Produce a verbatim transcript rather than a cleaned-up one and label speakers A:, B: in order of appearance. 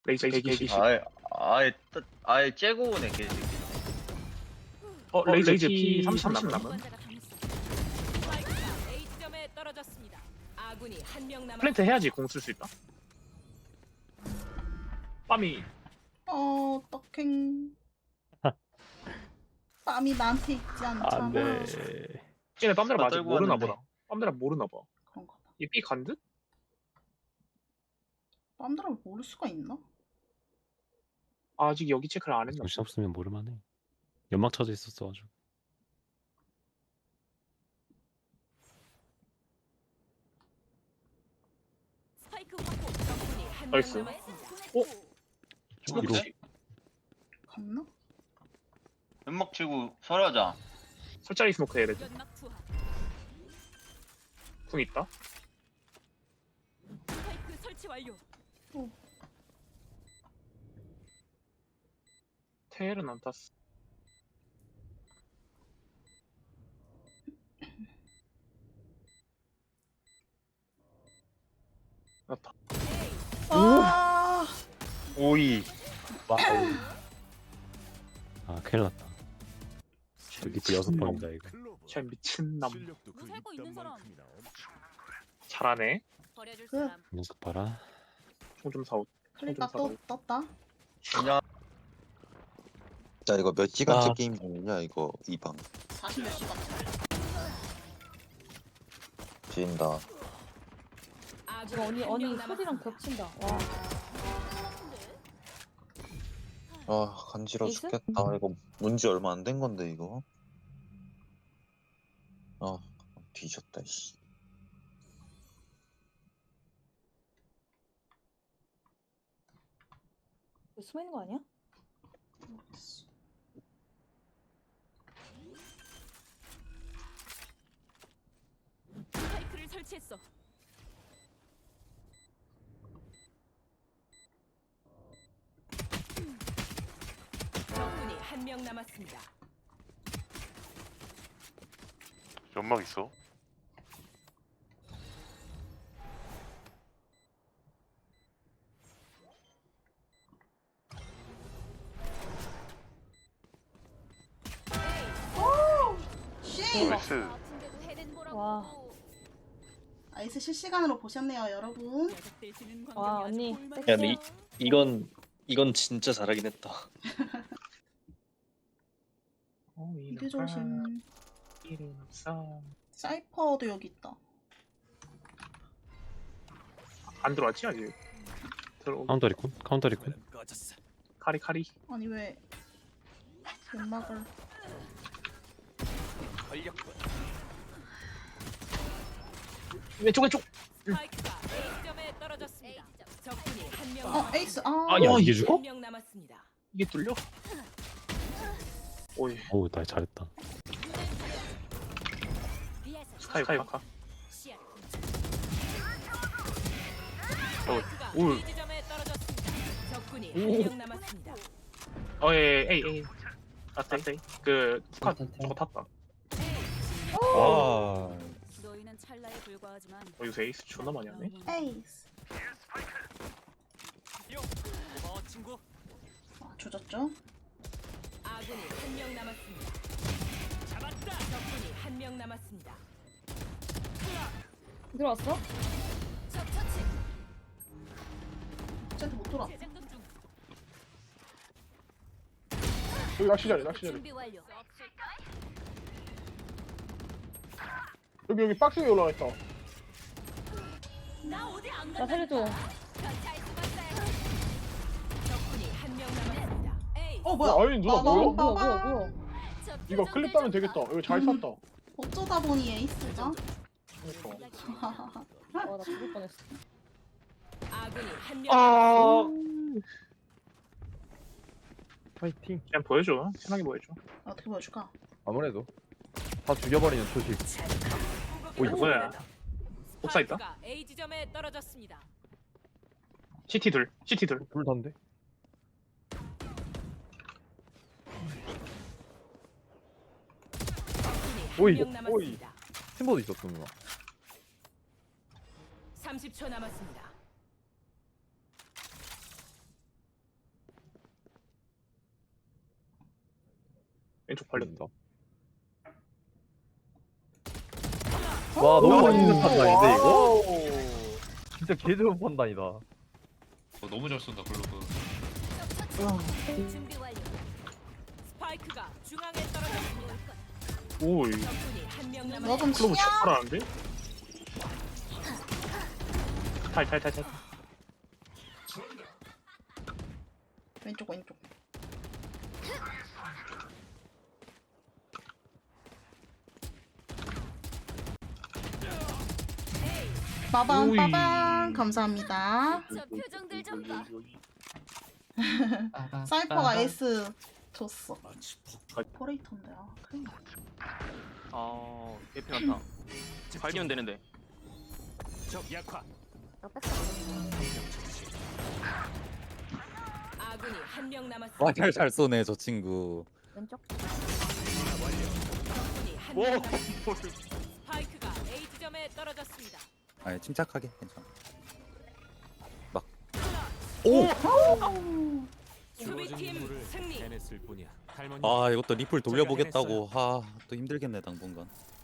A: 레이저 백이십.
B: 아예 아예 뜨- 아예 째고 오네 개새끼.
A: 어 레이저 피 삼십
C: 삼십
A: 남은.
C: 남은. 스파이크가 A 지점에 떨어졌습니다. 아군이 한 명 남았.
A: 플랜트 해야지 공 쓸 수 있다. 빰이
D: 어, 떡행. 땀이 나한테 있지 않잖아.
E: 안돼.
A: 쟤네 빰들아
B: 다
A: 아직
B: 떨고
A: 모르나
B: 왔는데.
A: 보다. 빰들아 모르나 봐.
D: 그런가 봐.
A: 얘 B 간 듯?
D: 빰들을 모를 수가 있나?
A: 아직 여기 체크를 안 했나?
E: 정신 없으면 모를만해. 연막 쳐져 있었어가지고.
C: 스파이크 확보. 적군이 한 명
A: 나이스.
C: 남았습니다.
A: 어?
E: 위로.
A: 스모크치?
D: 갔나?
B: 연막 치고 설하자.
A: 설자리 스모크 해야 돼.
C: 연막 투하.
A: 궁 있다.
C: 스파이크 설치 완료.
A: 테일은 안 탔어. 나타.
D: 아,
B: 오이.
E: 와우. 아 큰일 났다. 저 리플 여섯 번이다 이거.
A: 쟤 미친 남.
C: 뭐 살고 있는 사람.
A: 잘하네.
C: 버려줄
D: 그-
C: 사람.
E: 녀석 봐라.
A: 총 좀 사오.
D: 클릭가
A: 좀
D: 또 떴다.
B: 그냥
F: 자 이거 몇 시간째
E: 아.
F: 게임 중이냐 이거 이방
D: 사십 몇 시간.
F: 지인다.
C: 아군이
G: 이거 언니
C: 한
G: 언니
C: 명
G: 소리랑
C: 남았습니다.
G: 겹친다. 와.
F: 아 간지러
G: 에이스?
F: 죽겠다. 이거 문지 얼마 안 된 건데 이거. 아 뒤졌다 씨.
G: 여기 숨어 있는 거 아니야?
C: 스파이크를 설치했어. 적군이 한 명 남았습니다.
H: 연막 있어.
D: 씨!
H: 나이스.
G: 와.
D: 아이스 실시간으로 보셨네요, 여러분.
C: 녀석들 지는
G: 와,
C: 광경이 아주
G: 언니.
C: 볼만해.
I: 야, 근데 이, 이건 이건 진짜 잘하긴 했다.
A: 어,
D: 미드 조심.
A: 일은 없어.
D: 사이퍼도 여기 있다.
A: 안 들어왔지 아직. 들어.
E: 카운터 리콘? 카운터 리콘?
A: 카리 카리.
D: 아니 왜 연막을
A: 왼쪽 왼쪽.
C: 스파이크가 A 지점에 떨어졌습니다. 적군이 한 명
D: 어
C: 남았습니다.
D: 에이스 아,
A: 아, 야, 이게
E: 죽어?
C: 한 명 남았습니다.
A: 이게 뚫려? 오이.
E: 어우 나 잘했다.
A: 스카이 스카이카.
C: 스파이크가
A: 오.
C: B 지점에 떨어졌습니다. 적군이
A: 오.
C: 한 명 남았습니다.
A: 어, 예, 에이, 에이. 아, 네, 그, 스카, 저거 탔다.
F: 아
C: 너희는 찰나에 불과하지만
A: 어, 요새 에이스 존나 많이 하네.
D: 에이스. 아, 조졌죠?
C: 아군이 한 명 남았습니다. 잡았다. 적군이 한 명 남았습니다.
G: 들어왔어?
C: 적 처치.
D: 쟤한테 못 돌아.
C: 재장전 중.
J: 여기 낚시 자리 낚시 자리
C: 준비 완료.
J: 여기 여기 박스 위에 올라가 있다.
C: 나 어디 안
G: 나
C: 간다.
G: 살려줘.
C: 잘 숨었어요. 적군이 한 명 남았습니다. 에이.
D: 어 뭐야?
J: 어, 아니 누나
D: 빠밤,
J: 뭐야?
G: 뭐야 뭐야
D: 빠밤.
G: 뭐야.
C: 저
J: 이거
C: 표정
J: 클립 따면
C: 대장사.
J: 되겠다. 여기 잘
D: 음.
J: 샀다.
D: 어쩌다 보니 에이스가?
J: 그러니까.
G: 와나 죽을 뻔했어.
C: 아군이 한 명.
A: 아,
E: 파이팅.
A: 그냥 보여줘. 편하게 보여줘.
D: 어떻게 보여줄까?
K: 아무래도 다 죽여버리는 초식.
A: 오, 이거 뭐야? 옥사 있다?
C: 스파이크가 A 지점에 떨어졌습니다.
A: 시티 둘, 시티 둘.
K: 둘 단데.
C: 적군이
K: 오이,
C: 한 명 남았습니다.
K: 팀버도 있었어 누나.
C: 삼십 초 남았습니다.
A: 왼쪽 걸렸다.
K: 걸린다. 와 너무
J: 오,
K: 맛있는 판단인데 이거?
J: 와우.
K: 진짜 개 좋은 판단이다.
L: 너무 잘 쏜다 글로브.
C: 준비 완료. 스파이크가 중앙에 떨어졌습니다.
A: 오이.
C: 적군이 한 명
D: 너
C: 남았습니다.
D: 좀
A: 클로브
D: 치냐?
A: 잘하는데? 탈탈탈탈.
D: 왼쪽 왼쪽. 빠방
A: 오이.
D: 빠방 감사합니다.
C: 저 표정들 좀 봐.
D: 사이퍼가 에이스 줬어. 포레이터인데 아 큰일 났다.
A: 아, 에피 났다. 발기면 되는데.
C: 아군이 한 명 남았습니다.
L: 와잘 잘 쏘네 저 친구.
G: 왼쪽.
C: 적군이 한
A: 오,
C: 명 남았습니다. 스파이크가 A 지점에 떨어졌습니다.
L: 아니 침착하게 괜찮아.
C: 수비팀 승리.
L: 아 이것도 리플 돌려보겠다고. 아 또 힘들겠네 당분간.